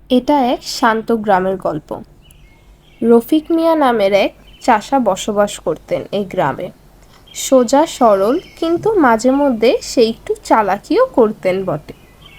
এটা এক শান্ত গ্রামের গল্প। রফিক মিয়া নামের এক চাষা বসবাস করতেন এই গ্রামে। সোজা সরল, কিন্তু মাঝে মধ্যে সে একটু চালাকিও করতেন বটে।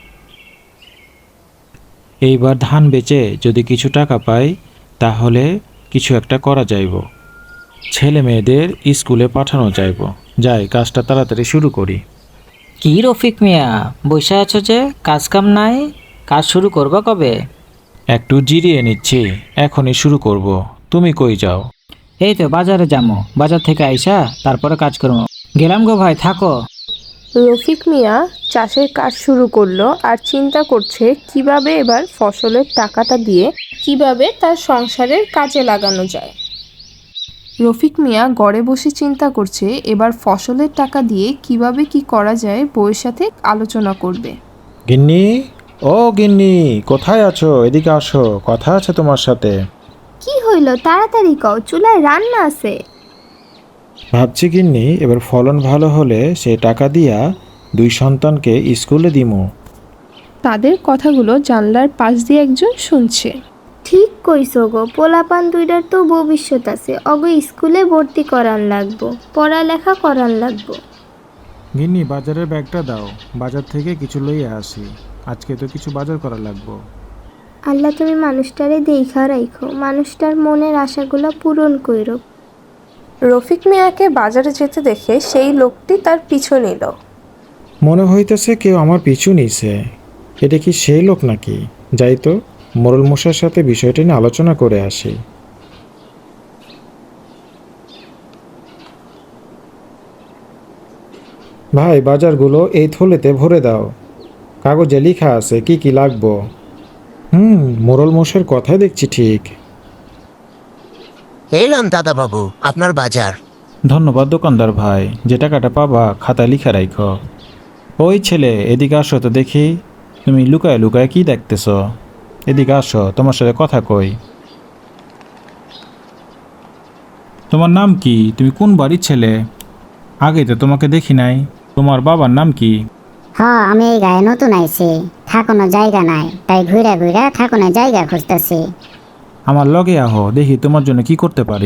এইবার ধান বেচে যদি কিছু টাকা পাই তাহলে কিছু একটা করা যাইব। ছেলে মেয়েদের স্কুলে পাঠানো যাইব। যাই, কাজটা তাড়াতাড়ি শুরু করি। কি রফিক মিয়া, বসে আছো যে? কাজ কাম নাই? কাজ শুরু করবা কবে? একটু জিরিয়ে নিচ্ছি, এখনই শুরু করব। তুমি কই যাও? এই তো বাজারে যাবো, বাজার থেকে আইসা তারপরে কাজ করবো। গেলাম গো ভাই, থাকো। রফিক মিয়া চাষের কাজ শুরু করলো আর চিন্তা করছে কিভাবে এবার ফসলের টাকাটা দিয়ে কিভাবে তার সংসারের কাজে লাগানো যায়। রফিক মিয়া ঘরে বসে চিন্তা করছে এবার ফসলের টাকা দিয়ে কিভাবে কি করা যায়, বউয়ের সাথে আলোচনা করবে। গিন্নি, ও গিন্নি, কোথায় আছো? এদিকে আসো, কথা আছে তোমার সাথে। কি হইল, তাড়াতাড়ি কও, চুলায় রান্না আছে। ভাবছি গিন্নি, এবার ফলন ভালো হলে সে টাকা দিয়া দুই সন্তানকে স্কুলে দিমু। তাদের কথাগুলো জানলার পাশ দিয়ে একজন শুনছে। ঠিক কইছো গো, পোলাপান দুইটার তো ভবিষ্যৎ আছে, অগো স্কুলে ভর্তি করান লাগবো, পড়ালেখা করান লাগবো। গিন্নি, বাজারের ব্যাগটা দাও, বাজার থেকে কিছু লইয়া আসি। আজকে তো কিছু বাজার করা লাগবো। আল্লাহ তুমি মানুষটারে দেইখা রাইখো, মানুষটার মনের আশাগুলো পূরণ কইরো। রফিক মিয়াকে বাজারে যেতে দেখে সেই লোকটি তার পিছু নিল। মনে হইতেছে কেউ আমার পিছু নিছে। এটা কি সেই লোক নাকি? যাই তো, মোরল মশার সাথে বিষয়টা নিয়ে আলোচনা করে আসি। ভাই, বাজারগুলো এই থলেতে ভরে দাও। কাগজে লেখা আছে কি কি লাগবো। মোরল মশার কথাই দেখছি ঠিক। এলাম দাদা বাবু, আপনার বাজার। ধন্যবাদ দোকানদার ভাই, যে টাকাটা পাবা খাতায় লিখে রাখো। ওই ছেলে, এদিকে আসো তো দেখি। তুমি লুকায় লুকায় কি দেখতেছ? এদিকে আসো, তোমার সাথে কথা কই। তোমার নাম কি? তুমি কোন বাড়ির ছেলে? আগে তো তোমাকে দেখি নাই। তোমার বাবার নাম কি? আমি এই গায়ে নতুন আইছি, থাকুনো জায়গা নাই, তাই ঘুরে ঘুরে থাকুনো জায়গা খুঁজতেছি। আমার লগে আহো, দেখি তোমার জন্য কি করতে পারি।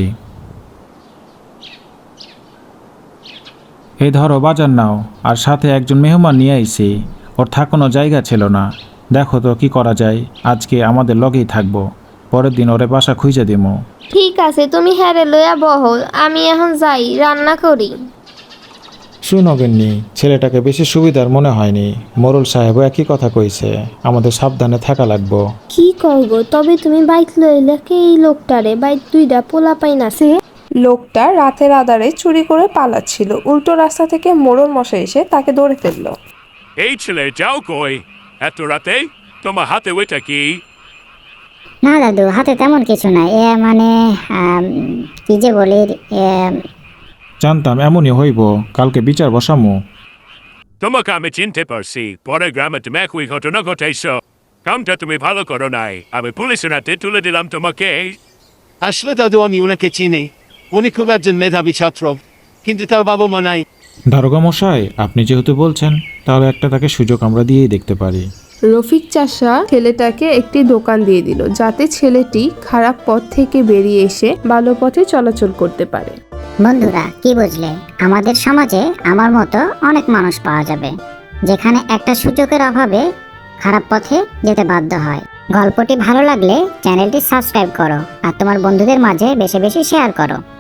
এই ধরো বাজার নাও, আর সাথে একজন মেহমান নিয়ে আইছি। ওর থাকানো জায়গা ছিল না। দেখো তো কি করা যায়। আজকে আমাদের লগেই থাকবো, পরের দিন ওরে বাসা খুঁজে দিমো। ঠিক আছে, তুমি হ্যারে লইয়া বহো, আমি এখন যাই রান্না করি। শুনো গিন্নি, ছেলেটাকে বেশি সুবিধার মনে হয়নি। মোরল সাহেবও একই কথা কইছে, আমাদের সাবধানে থাকা লাগবো। কি করবো, তবে তুমি বাইক লইলে কে এই লোকটারে? বাইক দুইটা পোলা পাইন আছে। লোকটা রাতের আধারে চুরি করে পালাচ্ছিল। উল্টো রাস্তা থেকে মোড়ল মশাই এসে তাকে ধরে ফেললো। এই ছেলে, যাও কই এত রাতে? তোমার হাতে ওইটা কি? না দাদু, হাতে তেমন কিছু নাই। মানে কি যে বলি, জানতাম এমনই হইব, কালকে বিচার বসামু। তোমাকে আমি চিনতে পারছি, পরে গ্রামে তুমি একই ঘটনা ঘটাইছ। কামটা তুমি ভালো করো নাই, আমি পুলিশের হাতে তুলে দিলাম তোমাকে। আসলে দাদু, আমি ওনাকে চিনি। উনি খুব একজন মেধাবী ছাত্র, কিন্তু তার বাবা মা নাই। দারোগা মশাই, আপনি যেহেতু বলছেন, তাহলে একটা তাকে সুযোগ আমরা দিয়েই দেখতে পারি। রফিক চাষা ছেলেটাকে একটি দোকান দিয়ে দিল, যাতে ছেলেটি খারাপ পথ থেকে বেরিয়ে এসে ভালো পথে চলাচল করতে পারে। বন্ধুরা কি বুঝলে, আমাদের সমাজে আমার মতো অনেক মানুষ পাওয়া যাবে, যেখানে একটা সুযোগের অভাবে খারাপ পথে যেতে বাধ্য হয়। গল্পটি ভালো লাগলে চ্যানেলটি সাবস্ক্রাইব করো আর তোমার বন্ধুদের মাঝে বেশি বেশি শেয়ার করো।